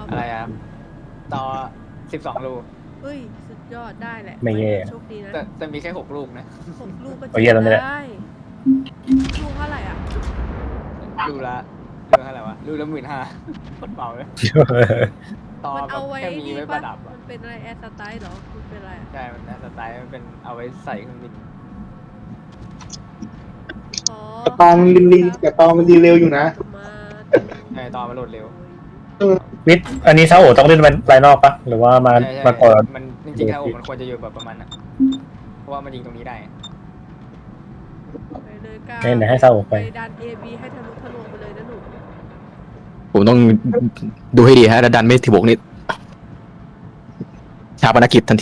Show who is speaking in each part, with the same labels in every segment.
Speaker 1: อะไรอ่ะต่อ12 ลูก
Speaker 2: เฮ้ยสุดยอดได้แหละ
Speaker 3: ไม่แย่
Speaker 2: โชคดีนะ
Speaker 1: แต่มีแค่6 ลูกนะ
Speaker 2: 6 ลูกก็
Speaker 3: เอาเหี้ยแล้วเนี่ย
Speaker 2: ได้ลูกเท่าไหร่อ่ะ
Speaker 1: ลูกละเท่าไหร่วะลูกละ15,000คนเบาเลยต่อ
Speaker 2: มัน
Speaker 1: แบ
Speaker 2: เอา
Speaker 1: บ
Speaker 2: ไว้
Speaker 1: แค่มีไว้ประดับ
Speaker 2: มั
Speaker 1: อ่ะ
Speaker 2: นเป็นอะไรแอร์สไตล์เหรอมันเป็นอะไรอะ
Speaker 1: ใช่มันนะสไตล์มันเป็นเอาไว้ใส่เครื่องบิน
Speaker 2: อ๋อ
Speaker 4: แต่ตอนมันลิงแต่ตอนมันดีเร็วอยู่นะ
Speaker 2: มา
Speaker 1: ใช่ต่อมาโหลดเร็ว
Speaker 3: วิทย์อันนี้ซาโอต้องเล่นภายนอกปะหรือว่ามา
Speaker 1: ใช่
Speaker 3: มาก่อน
Speaker 1: มันจริงๆแล้วมันควรจะอยู่แบบประมาณนั้นเพราะว่ามันยิงตรงนี้ได้
Speaker 2: ไปเลยกา
Speaker 3: ไหนให้ซาโอไป
Speaker 2: ดัน AB ให้ทะลุทะลวงไปเลยนะหนู
Speaker 5: ผมต้องดูให้ดีฮะดันไม่ถึงบกนี่ชาปนกิจทันที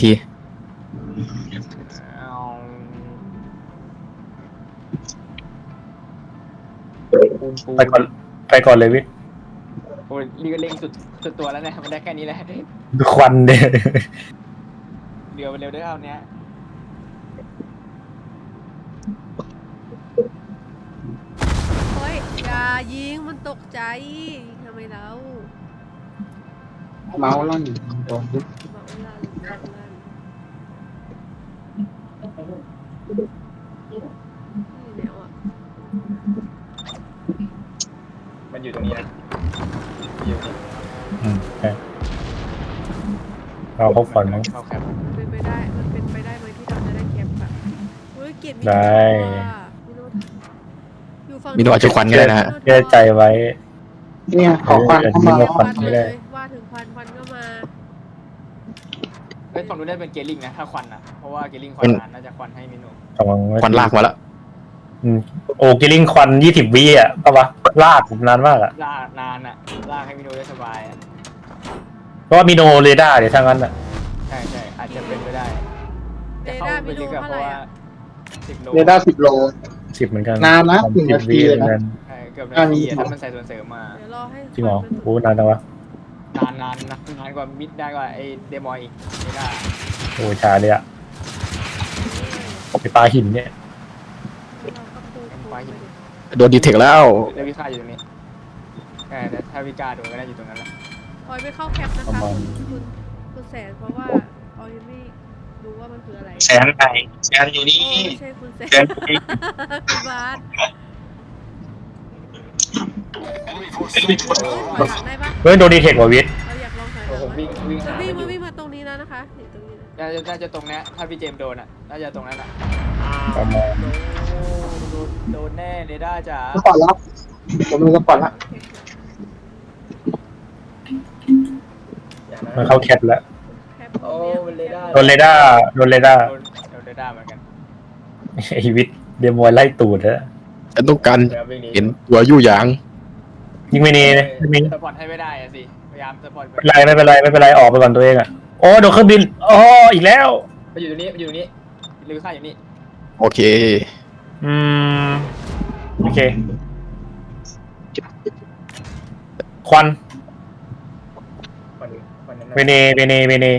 Speaker 1: เอาปูน
Speaker 3: ไปก่อนเลยวิทย์
Speaker 1: โอ้ยเรือเร่งสุดตัวแล้วเนี่ยมันได้แค่นี้แหละ
Speaker 3: ดูควันเด้
Speaker 1: เรือมันเร็วได้เท่านี้
Speaker 2: เฮ้ยอย่ายิงมันตกใจทำไมเรา
Speaker 4: เมาส์ล่อนโดนยึด
Speaker 2: บอกเวลาลงลั่นนี่แนวอ่ะ
Speaker 1: มันอยู่ตรงนี้นะอยู่ตรงนี้
Speaker 3: ใช่เราเข้าฝันมั้ง
Speaker 1: เข้าแคป
Speaker 2: มันเป็นไปได้ไหมที่เราจะได้แคปแบบธุรกิจมี
Speaker 3: ได้
Speaker 2: มิโนอยู่ฝั่ง
Speaker 5: มิโนอาจจะควันก็ได้นะฮะ
Speaker 3: เชื่อใจไว้
Speaker 4: เนี่ยขอควันเข้ามา
Speaker 3: เออ
Speaker 2: ควัน
Speaker 3: ไม่
Speaker 2: เล
Speaker 3: ได้
Speaker 2: ยว่าถึงควันก็มา
Speaker 1: เฮ้ยฝั่งนู้นได้เป็นเกลิงนะถ้าควันอ่ะเพราะว่าเกลิงควันนานน่าจะควันให้มิโน
Speaker 3: ระวังไว้
Speaker 5: ควันลากมาแล้ว
Speaker 3: โอ้กิลลิ่งควัน20 วิอ่ะปะวะลากนานมากอ่ะ
Speaker 1: ลากนานอ่ะลากให้มิโนได้สบายอ่ะ
Speaker 3: เพราะว่ามีโนเรดาร์เดี๋ยวทางนั้นอ่ะ
Speaker 1: ใช่อาจจะเป็นไปได้
Speaker 2: เด
Speaker 1: จะเข้า
Speaker 2: ด้า
Speaker 1: ไป
Speaker 2: มิโน
Speaker 1: ลึกอะ
Speaker 2: เท่า
Speaker 1: เพ
Speaker 2: ไหร่
Speaker 1: ราะว่า
Speaker 2: อ่ะ
Speaker 1: 10 โล
Speaker 4: เรดาร์10 โล
Speaker 3: 10เหมือนกัน
Speaker 4: นานนะ1
Speaker 3: 10
Speaker 4: นาทีเลยนะ
Speaker 3: หมือกั
Speaker 1: ใช่เกือบนาทีอะถ้ามันใส่ส่วนเสริมมา
Speaker 2: เดี๋ยวรอให้
Speaker 3: จริงเหรอ
Speaker 2: ควันมัน
Speaker 3: โอ้นานจังวะ
Speaker 1: นานกว่ามิดได้กว่าไอเดมอยอีกไม่ได้
Speaker 3: โอ้ช้าเลยอ่ะไปปลาหินเนี่ย
Speaker 2: เราก็ปูไปดิ
Speaker 5: โดนดีเทคแล้ว
Speaker 1: แล้ววิค่าอยู่ตรงนี้ใช่แต่ถ้าวิกาโดนก็ได้อยู่ตรงนั้นแหละ
Speaker 2: ออยไม่เข้าแคปนะคะคุณแสนเพราะว่าออยยังไม่รู้ว่ามันคืออะไร
Speaker 6: แสนไหนแสนอยู่นี่
Speaker 2: โอ้ไม่ใช่คุณแสน
Speaker 6: แสนอยู่นี่
Speaker 2: คุณบาส
Speaker 6: เป็นคน
Speaker 2: ถอยหลังได้ปะ
Speaker 3: เฮ้ยโดนดีเทคว่ะวิทย์
Speaker 2: เราอยากลองถอยห
Speaker 1: โอ้
Speaker 2: ลัง
Speaker 1: ผม
Speaker 2: ไหม
Speaker 1: วิ่ง
Speaker 2: มัน
Speaker 1: หา
Speaker 2: วิ่ง
Speaker 1: มันอยู่
Speaker 2: วิ่งมาตรงนี้แล้วนะคะนี่ตรงนี้นะ
Speaker 1: น่าจะตรงเนี้ยถ้าพี่เจมส์โดนอ่ะน่าจะตรงนั้นอ่ะ
Speaker 3: ประมาณ
Speaker 1: โดนแน่เรด้าจ๋า
Speaker 4: สปอร์ตแล้วผมมีสปอร์ตแล้ว
Speaker 3: มันเข้าแคปแล้ว
Speaker 2: แคป
Speaker 1: โอ้เรด้า
Speaker 3: โดนเรดาร์
Speaker 1: โดนเรด้าเหมือนกัน
Speaker 3: ไอวิทย์เดมอยไล่ตูดแล้ว
Speaker 5: ฉันต้องการ
Speaker 1: เดี๋ยววิ่งหนี
Speaker 5: เห็นตัวยู่หยาง
Speaker 3: ยิงไม่เนยไม่มี
Speaker 1: สปอร์ตให้ไม่ได้อะสิพยายามสปอร์ต
Speaker 3: ไม่เป็นไรออกไปก่อนตัวเองอ่ะโอ้โดนเครื่องบินอ๋ออีกแล้ว
Speaker 1: มันอยู่ตรงนี้ลือค่าอยู่นี่
Speaker 5: โอเค
Speaker 3: อืมโอเคควัน
Speaker 1: วันนั้น
Speaker 3: เวเน
Speaker 1: มันเวเน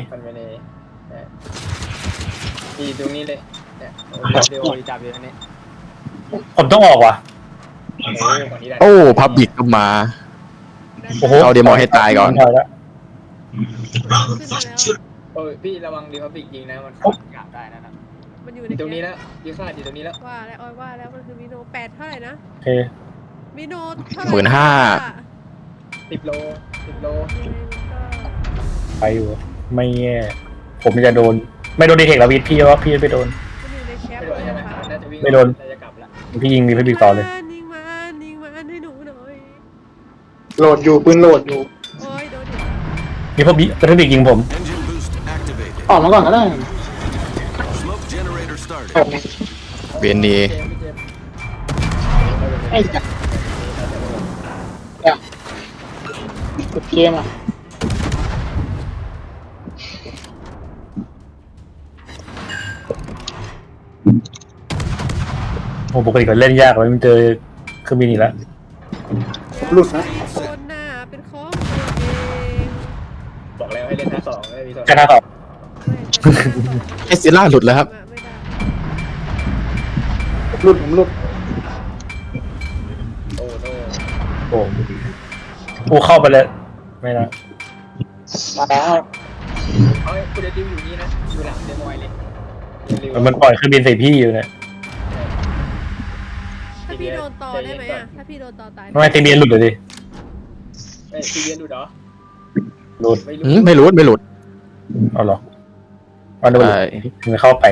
Speaker 1: อยู่ตรงนี้เลยเนี่ยเดี๋ยวจับอยู่ตรงนี้
Speaker 3: ผมต้องออกว่ะ
Speaker 1: ฝั่งนี้ได้
Speaker 5: โอ้พับบิกก็มา
Speaker 3: โอ้โห
Speaker 5: เอาเดมอนให้ตายก่อน
Speaker 3: ถอยแล้ว
Speaker 2: ขึ้นมาแล้ว
Speaker 1: โอ้ยพี่ระวังดีพับบิกยิงนะมันกลับได้นะ
Speaker 2: มันอยู่ใน
Speaker 1: ตรงนี้
Speaker 2: แคป
Speaker 1: แล้วยืดค่าอยู่ตรงนี้แล้ว
Speaker 2: ว่าแล้วออยว่าแล้วมันคือมิโน8เท่าไหร่นะ
Speaker 3: โอเค
Speaker 2: มิโนเท่าไหร่
Speaker 1: 10 โล
Speaker 2: ยังไงมันก็
Speaker 3: ไปอยู่ไม่แย่ผมจะโดนไม่โดนดีเทคแล้ววิทย์พี่ว่าพี่ไปโดน
Speaker 2: มันอยู่ในแคป
Speaker 1: ไม่โดนใช่ไหม
Speaker 2: นะคะ
Speaker 1: น่าจะวิ่ง
Speaker 3: ไม่โดน
Speaker 1: จะกลับละ
Speaker 3: พี่ยิงมีพี่บิ๊กต่อเลย
Speaker 2: ยิงมันให้หนูหน่อย
Speaker 4: โหลดอยู่ปืนโหลดอยู่
Speaker 2: โอ้ยโดนเดี๋ยว
Speaker 3: มีพี่บิ๊กยิงผม
Speaker 7: Engine boost activated.
Speaker 4: ออกมาก่อนก็ได้
Speaker 7: Smoke generator started.
Speaker 4: ออกมา
Speaker 5: เวนนี
Speaker 1: เจมส์
Speaker 4: ไอ้จัดกดเกมอ่ะ
Speaker 3: โอ้ปกติก็เล่นยากเลยมันเจอเครื่องบินอีกแล้ว
Speaker 4: หลุดนะ
Speaker 2: คนหน้าเป็นของตัวเอง
Speaker 1: บอกแล้วให้เล่นท่า2ไม่มีส่วน
Speaker 3: แค่หน้าต่อ
Speaker 5: เอสซิล่าหลุดแล้วครับ
Speaker 2: ไม่ได้
Speaker 4: หลุดผมหลุด
Speaker 1: โอ้โน
Speaker 3: โอ้โหเข้าไปเลยไม่นะ
Speaker 4: มาแล้ว
Speaker 1: เฮ้ยคุณจะดิวอยู่นี่นะอยู่หลังเดมอยเลยริว
Speaker 3: มันปล่อยเครื่องบินใส่พี่อยู่เนี่ย
Speaker 2: ถ้าพี่โดนตอได้ไหมอ่ะถ้าพี่โดนตอตาย
Speaker 3: ทำไมตีเบียนหลุดเลยดิ
Speaker 1: เอ้ยซีเรียนดูเหรอ
Speaker 3: หลุด
Speaker 1: ไม่
Speaker 5: ไม่หลุดไม่หลุด
Speaker 3: เอาเหรอเอาดู
Speaker 5: ใช่
Speaker 3: ถึงเข้าไป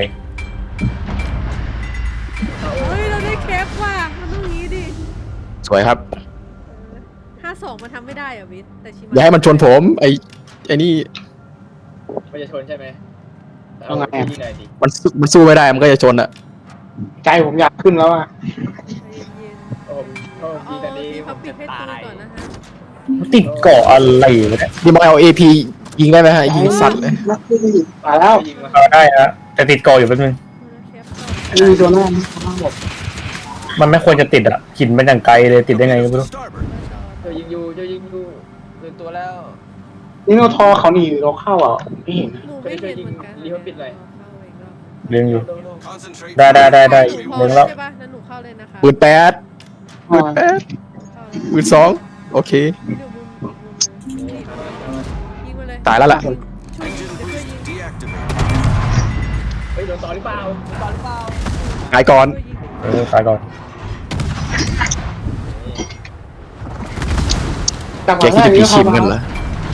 Speaker 2: เฮ้ยเราได้แคปว่ะมันต้องงี้ดิ
Speaker 5: สวยครับ
Speaker 2: 52มันทำไม่ได้อ่ะวิทย์แต่ชิมา
Speaker 5: อย่าให้มันชนผมไอ้นี่
Speaker 1: มันจะชนใช่ไหม
Speaker 4: เอาไงอะ
Speaker 1: ที่ไหนดิ
Speaker 5: มันสู้ไม่ได้มันก็จะชนอะ
Speaker 4: ใจผมอยากขึ้นแล้วอ่ะ
Speaker 2: ใจเย็น
Speaker 1: โอ้ผมโอ้
Speaker 2: ๆ
Speaker 1: ดีแต่นี้
Speaker 2: ที่
Speaker 1: ผ
Speaker 2: เขา
Speaker 1: ม
Speaker 2: ปิ
Speaker 1: จะ
Speaker 2: ดให้ตู
Speaker 1: ตาน ย
Speaker 2: ก่อนนะคะ
Speaker 3: ติดเกาะอะไรวะเนี่ย
Speaker 5: ดีมเอาAP ยิงได้ไหมฮะยิงสัตว์เลย
Speaker 4: มาแล้ว
Speaker 1: ยิงมา
Speaker 3: เอาได้ฮะแต่ติดเกาะอยู่แป๊บนึง
Speaker 2: แคปก่อน
Speaker 4: มีตัวหน้าหมด
Speaker 3: มันไม่ควรจะติดอ่ะหินมันอย่างไกลเลยติดได้ไงก็ไม่รู้
Speaker 7: Starboard.
Speaker 1: เจะยิงอยู่เจะยิงอยู่ตื่นตัวแล้ว
Speaker 4: นี่โนทอเขาหนีเราเข้าอ่ะไม่เห็น
Speaker 2: หนูไม่เห็นเหมือนกัน
Speaker 1: รีบปิดเลย
Speaker 3: เลี้ยงอยู่
Speaker 7: Concentrate.
Speaker 3: ได้
Speaker 2: ห
Speaker 3: เลี้
Speaker 2: นู
Speaker 3: ย
Speaker 2: เข้าง
Speaker 3: แล้ว
Speaker 2: ใช่ปะนั้นหนูเข้าเลยนะคะ
Speaker 5: ปืน8
Speaker 4: อ่า
Speaker 2: เข้าเลย
Speaker 5: ปืน2โอเค
Speaker 2: พี่ดูมุมนี่ยิงมาเลย
Speaker 5: ตายแล้วล่ะ
Speaker 2: ช่วย
Speaker 7: Engine
Speaker 2: เดี๋ยวช่วย
Speaker 7: boost
Speaker 2: ยิง
Speaker 7: deactivated.
Speaker 1: เฮ้ยโดนต่อหรือเปล่าโดนต่อหรือเปล่า
Speaker 5: ตายก่อน
Speaker 2: ช่วยยิง
Speaker 3: ตายก่อน
Speaker 4: จาก
Speaker 5: แกคิดจะพีชิมกันเหรอ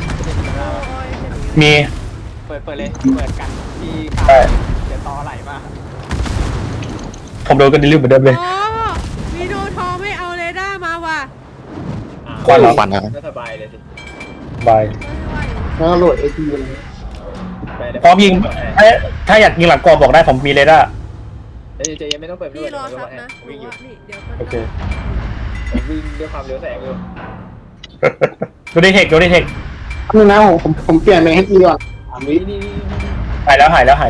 Speaker 3: มี
Speaker 1: เปิดเลยเปิดกันที่
Speaker 3: ใช่
Speaker 1: เดี๋ยวต่อไหลมา
Speaker 3: ผมโดนกันดิลิวเหมือนเดิมเลย
Speaker 2: อ๋อมีโดทอไม่เอาเรดาร์มาว่ะ
Speaker 3: ควันเหรอ
Speaker 5: ปั่นนะ
Speaker 1: ก็สบายเลยสิ
Speaker 3: บาย
Speaker 2: ไม่ไหว
Speaker 4: แล้วโหลดไอทีเลย
Speaker 1: ไปเดี๋ยว
Speaker 3: พร้อมยิงถ้าอยากยิงหลังกรอบบอกได้ผมมีเรดาร์
Speaker 1: เดี๋ยวจะยังไม่ต้องเปิด
Speaker 2: พี่รอซับนะ
Speaker 1: วิ่งอยู่
Speaker 2: นี่เดี๋ยว
Speaker 3: โอเค
Speaker 1: ผมวิ่งด้วยความเร็วแสงอยู่
Speaker 3: ดูดิเทคดูดิเทค
Speaker 4: นึงนะผมเปลี่ยนเป็นให้ทีก่อน3 วิ
Speaker 1: นี่
Speaker 3: หายแล้ว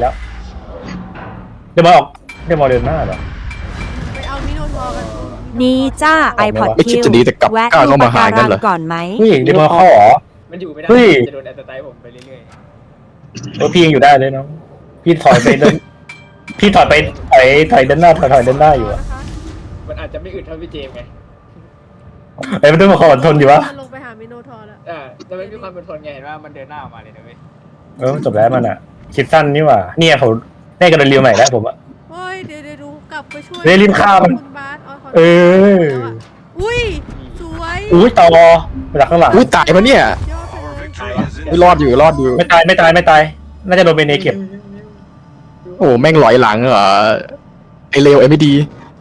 Speaker 3: เดี๋ยวมาออกเดี๋ยวมาเดินหน้าเหรอ
Speaker 2: ไปเอามิโนทอกัน
Speaker 8: นี่จ้า iPod
Speaker 5: ไม่คิด
Speaker 8: คิว
Speaker 5: จะดีแต่กลับ
Speaker 8: แวะ
Speaker 5: ก้าว
Speaker 8: ดู
Speaker 5: เข้า
Speaker 8: ปะ
Speaker 5: มาหา
Speaker 8: การั
Speaker 5: กัน
Speaker 8: ง
Speaker 5: เหรอ
Speaker 8: ก่อนไหม
Speaker 3: เฮ้ยเดี๋ยวมาเข้าเหรอ
Speaker 1: มันอยู่ไม่ได้
Speaker 3: เฮ้ย
Speaker 1: จะโดนแอสไตล์ผมไปเรื่อย
Speaker 3: พี่ยังอยู่ได้เลยเนาะพี่ถอยไปเดินพี่ถอยไปถอยเดินหน้าถอยเดินหน้าอยู่อะ
Speaker 2: นะคะ
Speaker 1: ๆมันอาจจะไม่อึดเท่าพี่เจมส์ไง
Speaker 3: ไอ้มันต้องมาขออดทนอยู่วะ
Speaker 2: ลงไปหามิโนทอแล้ว
Speaker 1: แต่มันมีความเป็นทนไงเห็นว่ามันเดินหน้าออกมาเลยนะเว้ย
Speaker 3: จบแล้วมันอ่ะคิดสั้นนี่หว่าเนี่ยผมได้กันเรียวใหม่แล้วผมอ่ะ
Speaker 2: โอ้ยเดี๋ยวดูกลับไปช่วย
Speaker 3: เฮ้ยรีบฆ่ามัน
Speaker 2: คุณบาสอ๋อข
Speaker 3: เออ
Speaker 2: แล้วอะอุ้ยสวย
Speaker 3: อุ้ยต่อมาจากข้างหลัง
Speaker 5: อุ้ยตายปะเนี่ย
Speaker 2: ยอดไป
Speaker 7: Our
Speaker 2: เลย
Speaker 7: victory is
Speaker 5: ไม่
Speaker 7: in
Speaker 5: รอดอยู่รอดอยู่
Speaker 3: ไม่ตายน่าจะโดนเบเนเก็บ
Speaker 5: โอ้แม่งหลอยหลังเหรอไอเลวไอไม่ดี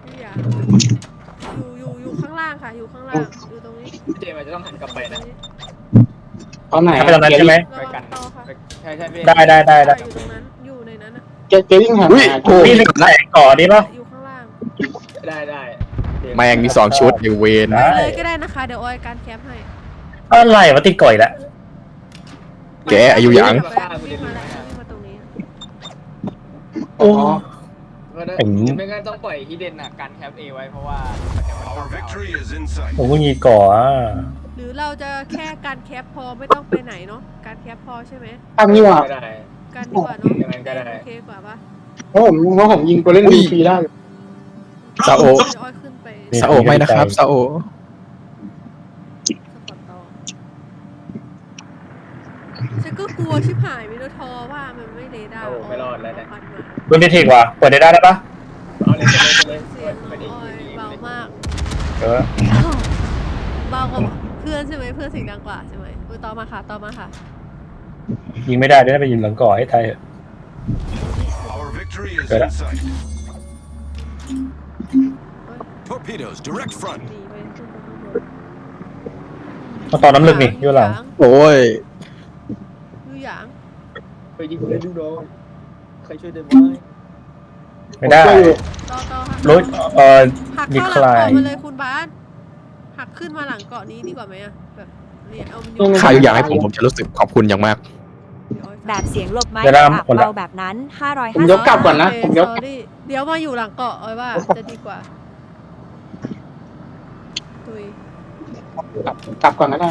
Speaker 2: อยู่ข้างล่างค่ะอยู่ข้างล่างอยู่ตรงนี้
Speaker 1: พี่เจมส์อาจจะต้องหันกลับไปนะ
Speaker 4: ตอนไหน
Speaker 3: ถ้าไปตอนนั้นใช่ไหม
Speaker 2: ระวังต่อค่ะ
Speaker 1: ใช่พี่
Speaker 3: ได้
Speaker 2: อยู่ตรงนั้นอยู่ในนั้นอะ
Speaker 4: เกลิ่งหัน
Speaker 5: อุ้ย
Speaker 4: มา
Speaker 5: โอ้
Speaker 3: พี่นึกแหลกก่อนดีป่ะ
Speaker 2: อยู่ข้างล่าง
Speaker 1: ได้
Speaker 5: แม่งมี2ชุดอยู่เวน
Speaker 3: ได้
Speaker 2: ไปเลยก็ได้นะคะเดี๋ยวออยการแคปให้
Speaker 3: อะไรวะติดก่อยละ
Speaker 5: แกอายุยัง
Speaker 2: วิ่งมาแล้ววิ่งมาตรงนี้
Speaker 3: โอ้
Speaker 1: ไม่งั้นต้องปล่อยฮิดเด้นการแคปเอไว้เพราะว่ามันจะ
Speaker 7: Our victory is in sight.
Speaker 3: ผมก็ยีก่ออ่ะ
Speaker 2: หรือเราจะแค่การแคปพอไม่ต้องไปไหนเนาะการแคปพอใช่ไหม
Speaker 4: ทำนี่ว่ะ
Speaker 1: ก็ได้
Speaker 2: การดีกว่าเนาะ
Speaker 1: อย่างนั้นก็ได้
Speaker 2: โอเคกว่าปะ
Speaker 4: เพราะผมยิงตัวเล่นฟรีได้
Speaker 5: ซาโอ
Speaker 2: เดี๋ยวออยขึ้นไป
Speaker 5: ซาโอไม่นะครับซาโอ
Speaker 2: สปอร์ตต่อฉันก็กลัวชิบหายมิโนทอว่ามันไม่เรดาร์
Speaker 1: โอ้ไม่รอดแล้วเนี่ย
Speaker 2: ฟันมา
Speaker 3: โดนเทคว่ะเปิดได้ปะ
Speaker 1: เอาเลย
Speaker 2: เสียงน้องออยเบามาก
Speaker 3: เออ
Speaker 2: เบากว่าเพื่อนใช่ไหมเพื่อนเสียงดังกว่าใช่ไหมต่อมาค่ะต่อมาค่ะ
Speaker 3: ยิงไม่ได้ด้วยไปยิงหลังก่อให้ไทย
Speaker 7: Our victory is
Speaker 3: Good.
Speaker 7: in sight. Torpedoes, direct front.
Speaker 2: หนีไปขึ้นไปข้างบน
Speaker 3: ตอนน้ำลึกนี่อยู่หลัง
Speaker 5: โอ้ย
Speaker 2: อยู่หยาง
Speaker 1: ไปยิงเลยดูน้องใครช่วยได้ไหม
Speaker 3: ไม่ได้
Speaker 2: ต่อค่ะ
Speaker 3: รถ
Speaker 2: หัก
Speaker 3: ดี
Speaker 2: เข้า
Speaker 3: ค
Speaker 2: หลัง
Speaker 3: ลาย
Speaker 2: เกาะมาเลยคุณบาสหักขึ้นมาหลังเกาะนี้ดีกว่าไหมอะแบบเนี่ยเอามันอยู่
Speaker 5: ใครอยากให้ผมจะรู้สึกขอบคุณอย่างมาก
Speaker 8: แบบเสียงหลบไม้
Speaker 3: เดี๋ยวนะ
Speaker 8: อับ
Speaker 3: คนละ
Speaker 8: เบาแบบนั้น
Speaker 4: ผมยกกลับก่อนนะผมยก
Speaker 2: เดี๋ยวมาอยู่หลังเกาะออยว่าจะดีกว่าตุย
Speaker 4: กลับก่อนก็ได้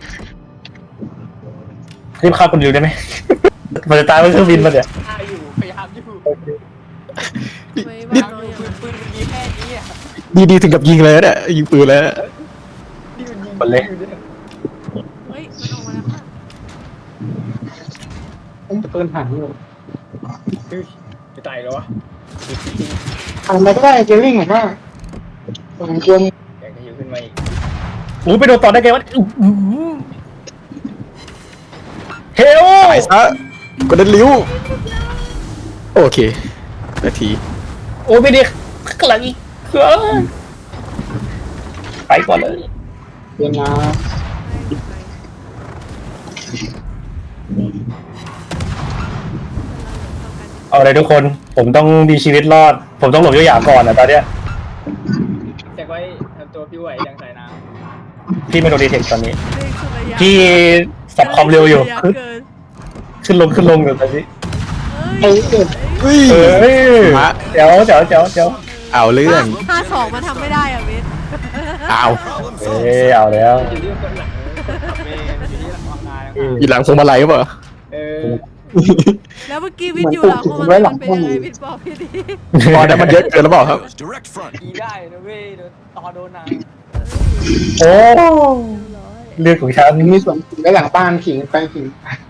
Speaker 3: รีบฆ่าคนดิวได้ไหม มันจะตายบนเครื่องบินมาเนี่ย
Speaker 1: ฆ่าอยู่พยายามอยู่
Speaker 2: ไม่ว่าน้องอย่างนั้น
Speaker 1: ปืนมันมีแค่นี้อ่ะ
Speaker 5: ดีถึงกับยิงเลยเนี่ยยิงปืนแล้ว
Speaker 1: ที่มันยิง
Speaker 3: คนเลย
Speaker 2: เฮ้ยมันออกมาแล้วค่ะ
Speaker 4: จะปืนผ่านอยู่
Speaker 1: จะตายแล้ววะ
Speaker 4: ทำอะไรก็ได้เจลลิ่งผมว่าผมควร
Speaker 1: อยากจะอยู่ขึ้นมาอีก
Speaker 3: โอ้ไปโดนต่อได้ไงวะเฮล
Speaker 5: ตายซะกดเดินลิ้วโอเคนาที
Speaker 3: โอ้ไม่ดีข้างหลังอีกไปก่อนเลย
Speaker 4: เรียนนะ
Speaker 3: เอาเลยทุกคนผมต้องมีชีวิตรอด ผมต้องหลบยาวๆก่อนนะตอนเนี้ย
Speaker 1: แต่ไว้ทำตัวพี่ไหวยังสายน้
Speaker 3: พี่ไม่โดนดีเทคตอนนี้
Speaker 2: เร่งสุดระยะ
Speaker 3: พี่สับความเร็วอยู่
Speaker 2: ระะเกิน
Speaker 3: ขึ้นลงอยู่ตอนนี้
Speaker 2: เฮ้ย
Speaker 5: เฮ้ย
Speaker 3: เฮ้ย
Speaker 5: มา
Speaker 3: เดี๋ยว
Speaker 5: เอาเรื่อง
Speaker 2: 52มันทำไม่ได้อ่ะเวท
Speaker 5: เอา
Speaker 7: Problem
Speaker 3: เอ้
Speaker 7: solved.
Speaker 3: ยเอาแล้ว
Speaker 1: ำอยู่ที่คนหลังขับเมย์อยู่ที่หลังทำงานนะครับ
Speaker 5: อยู่หลังพวงมาลัยหรือเปล่า
Speaker 1: เออ
Speaker 2: แล้วเมื่อกี้วิทย์อยู่หลังของมันมันเป็นยังไงวิทย์บอกพี่ดิ
Speaker 5: ตอนนั้นมันเยอะเกินหรือเปล่าครับ
Speaker 7: Direct front.
Speaker 1: อีได้นะเว้ยโดนต่อโดนนาง
Speaker 3: โอ้เรื่องของฉัน
Speaker 4: มีส่วนผิงไว้หลังบ้านผิงไปผิง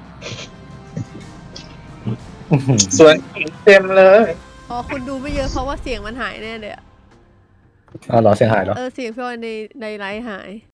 Speaker 3: ส่วนเต็มเลย
Speaker 2: อ๋อคุณดูไม่เยอะเพราะว่าเสียงมันหายแน่เลยอะ
Speaker 3: อ๋อเหรอเสียงหายเหรอ
Speaker 2: เสียงพี่ออยในไลฟ์หาย